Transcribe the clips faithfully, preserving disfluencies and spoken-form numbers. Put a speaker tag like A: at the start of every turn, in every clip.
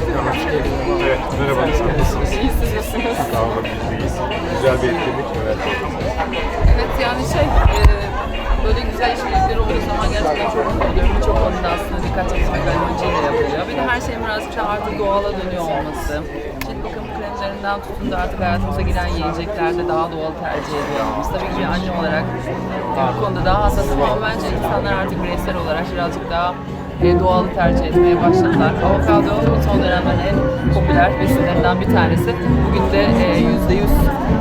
A: Evet, merhaba. Nasılsınız?
B: İyi, siz nasılsınız?
A: Sağ olun, biz deyiz. Güzel bir etkinlik. Evet.
B: Evet, yani şey, e, böyle güzel işbirlikleri olduğu zaman gerçekten çok mutlu oluyorum. Birçok konuda aslında dikkat çekmek amacıyla yapılıyor. Bir de her şeyin birazcık daha artık doğala dönüyor olması. Cilt bakım kremlerinden tutun da artık hayatımıza giren yiyeceklerde daha doğal tercih ediyoruz. Tabii ki bir anne olarak bu konuda daha hassasım ama bence insanlar artık bireysel olarak birazcık daha e, doğalı tercih etmeye başladılar. Avokado son dönemlerin en popüler besinlerinden bir tanesi. Bugün de yüzde yüz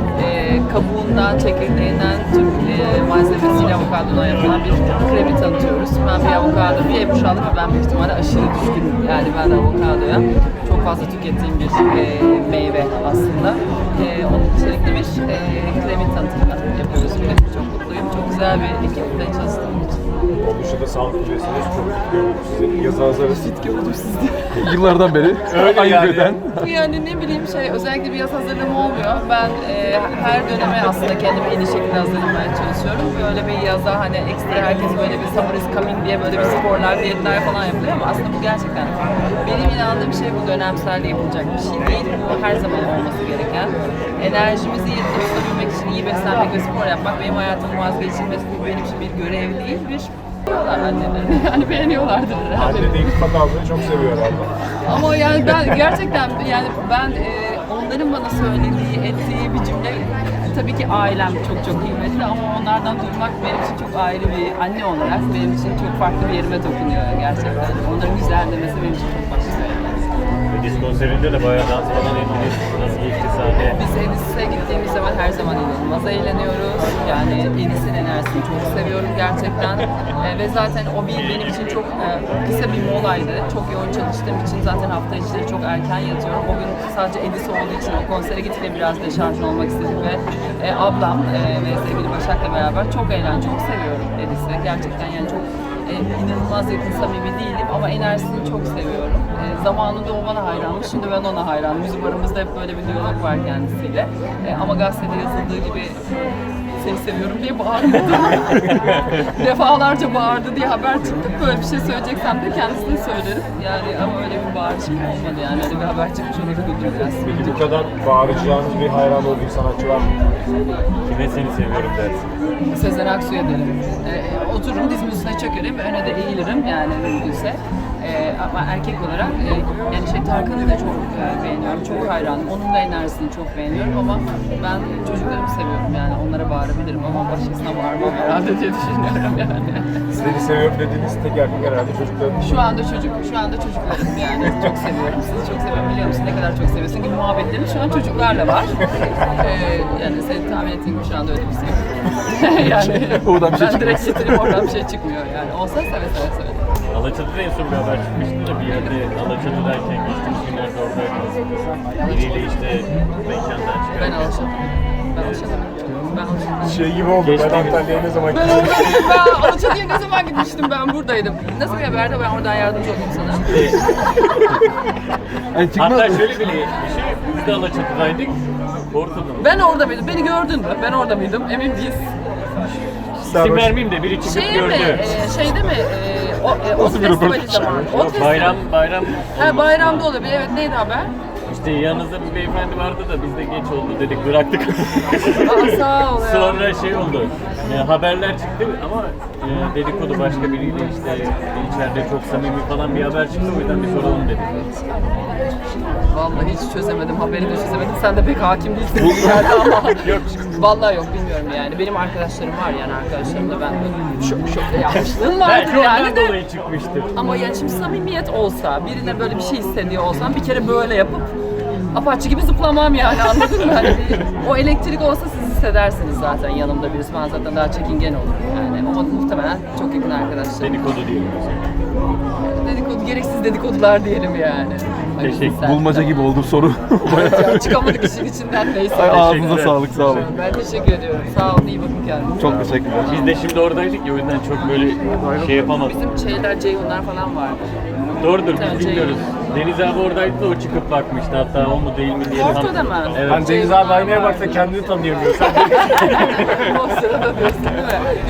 B: kabuğundan, çekirdeğinden, tüm e, malzemesiyle avokadodan yapılan bir kremi tanıtıyoruz. Ben bir avokado, bir Ebru Şallı ve ben büyük ihtimalle aşırı düşkünüm. Yani ben de avokadoya çok fazla tükettiğim bir e, meyve aslında. E, onun içerikli bir e, kremi tanıtımını yapıyoruz. Bugün çok mutluyum. Çok güzel bir ekiple çalıştığım için.
A: Oluşu da sağlıklı besiniz. Çok tutuyorum sizi. Yazı hazırız.
B: Fit gördüm sizde.
C: Yıllardan beri
A: Öyle
C: ayıp
A: yani.
C: eden.
B: Yani ne bileyim şey, özellikle bir yaz hazırlığım olmuyor. Ben e, her döneme aslında kendimi en iyi şekilde hazırlamaya çalışıyorum. Böyle bir yaza hani ekstra herkes böyle bir summer is coming diye böyle bir sporlar, diyetler falan yapıyor ama aslında bu gerçekten benim inandığım şey bu dönemsel yapılacak bir şey değil. Bu her zaman olması gereken. Enerjimizi yerinde tutabilmek için iyi beslenmek ve spor yapmak benim hayatımın vazgeçilmesi, bu benim için bir görev değil, bir beğeniyorlar annelerini. Yani beğeniyorlardır herhalde.
A: Anne de iltifat almayı çok seviyor herhalde.
B: Ama yani ben gerçekten yani ben e, onların bana söylediği, ettiği bir cümle, tabii ki ailem çok çok kıymetli ama onlardan duymak benim için çok ayrı bir anne olarak benim için çok farklı bir yerime dokunuyor gerçekten. Onların güzel demesi benim için çok başka.
D: Edis konserinde de bayağı dans falan ettiniz. Nasıl geçti sahne?
B: Biz Edis'e gittiğimiz zaman her zaman inanılmaz eğleniyoruz. Yani Edis'in enerjisini çok seviyorum gerçekten. E, ve zaten o bir benim için çok e, kısa bir molaydı. Çok yoğun çalıştığım için zaten hafta içleri çok erken yatıyorum. O gün sadece Edis olduğu için o konsere gidip de biraz deşarj olmak istedim ve e, ablam e, ve sevgili Başak'la beraber çok eğlen, çok seviyorum Edis'i. Gerçekten yani çok e, inanılmaz yakın samimi değilim ama enerjisini çok seviyorum. E, zamanında o bana hayranmış, şimdi ben ona hayranım. Bizim aramızda hep böyle bir diyalog var kendisiyle. E, ama gazetede yazıldığı gibi seni seviyorum diye bağırmadı. Defalarca bağırdı diye haber çıktı. Böyle bir şey söyleyeceksem de kendisine söylerim. Yani ama öyle bir bağırışım olmadı yani. Öyle bir haber çıkmış onu üzüldüm biraz.
A: Peki bu kadar bağıracağınız bir hayran olduğu sanatçı var mı?
D: Kime seni seviyorum dersin?
B: Sezen Aksu'ya derim. E, otururum dizmin üstüne çökerim, öne de eğilirim yani mümkünse. E, ama erkek olarak e, yani şey Tarkan'ı da çok e, beğeniyorum, çok hayranım. Onun da enerjisini çok beğeniyorum ama ben çocuklarımı seviyorum yani onlara bağırabilirim ama başkasına bağırmam herhalde diye düşünüyorum yani.
A: Seni seviyorum dediğiniz tek erkek herhalde çocukların.
B: Şu anda çocuk, şu anda çocuklarım yani çok seviyorum. Sizi çok seviyorum, biliyor musun ne kadar çok seviyorsun gibi muhabbetlerim şu an çocuklarla var. E, yani seni tahmin ettiğin gibi şu anda öyle bir şey yok. yani
C: Oradan bir şey
B: ben direkt
C: çıkmaz.
B: getirip oradan bir şey çıkmıyor yani. Olsa seve seve seve.
D: Alaçatı'da en son bir haber çıkmıştı da bir yerde Alaçatı'dayken geçtiğimiz günlerde oradaydınız. Biriyle işte mekandan çıkarken.
B: Ben Alaçatı. Ben Alaçatı'da. Ben Alaçatı'da.
A: Şey gibi oldu. Ben
D: Geçtiğimiz-
A: Antalya'ya ne zaman
B: Ben
A: gittim?
B: oradaydım. Ben Alaçatı'ya ne zaman gitmiştim, ben buradaydım. Nasıl bir haberde ben oradan yardımcı oldum sana.
C: Yani çıkmaz
D: Hatta
C: mı?
D: şöyle bir şey, biz de Alaçatı'daydık. Korkudum.
B: Ben orada mıydım? Beni gördün mü? Ben orada mıydım? Emin değiliz.
D: İsim vermeyeyim de biri çıkıp
B: Şey
D: gördü.
B: mi? E, şeyde mi? E, o, e, o
C: Nasıl bir
B: festivali
C: röportaj?
B: zamanı. O festivali.
D: Bayram, bayram.
B: Ha, bayramda olabilir. Evet, neydi haber?
D: İşte yanınızda bir beyefendi vardı da biz de geç oldu dedik bıraktık.
B: Aa, sağ ol ya.
D: Sonra şey oldu. E, haberler çıktı ama e, dedikodu başka biriyle işte içeride çok samimi falan bir haber çıktı, o yüzden bir soralım dedik.
B: Vallahi hiç çözemedim, haberini çözemedim. Sen de pek hakim değilsin gibi geldi ama.
D: Yok.
B: Vallahi yok, bilmiyorum yani. Benim arkadaşlarım var yani, arkadaşlarım da ben şok şok yapmışlığım vardır
D: Belki ondan
B: yani de.
D: dolayı çıkmıştır.
B: Ama yani şimdi samimiyet olsa, birine böyle bir şey hissediyor olsam bir kere böyle yapıp apaçı gibi zıplamam yani, anladın mı? Hani bir- o elektrik olsa siz hissedersiniz zaten yanımda birisi. Ben zaten daha çekingen olurum yani. Ama muhtemelen çok yakın arkadaşlarım.
D: Dedikodu diyelim o zaman.
B: Dedikodu, gereksiz dedikodular diyelim yani. Ay,
D: Teşekkür.
B: sen-
C: Bulmaca gibi oldu soru.
B: Ya, çıkamadık işin içinden, neyse.
C: Ay, ağzınıza
D: Teşekkürler.
C: sağlık, sağ olun.
B: Ben teşekkür ediyorum. Sağ olun, iyi bakın kendinize.
C: Çok teşekkürler.
D: Biz de şimdi oradaydık ya, o yüzden çok böyle şey yapamadık.
B: Bizim şeyler, Ceyhunlar falan vardı.
D: Doğrudur,
B: Tamam,
D: biz bilmiyoruz.
B: Ceyhun.
D: Deniz abi oradaydı da o çıkıp bakmıştı, hatta o mu değil mi diye.
B: Ortada mı?
D: Evet.
A: Hani Deniz abi aynaya baksa kendini tanıyamıyor. Sen
B: O sırada diyorsun değil mi?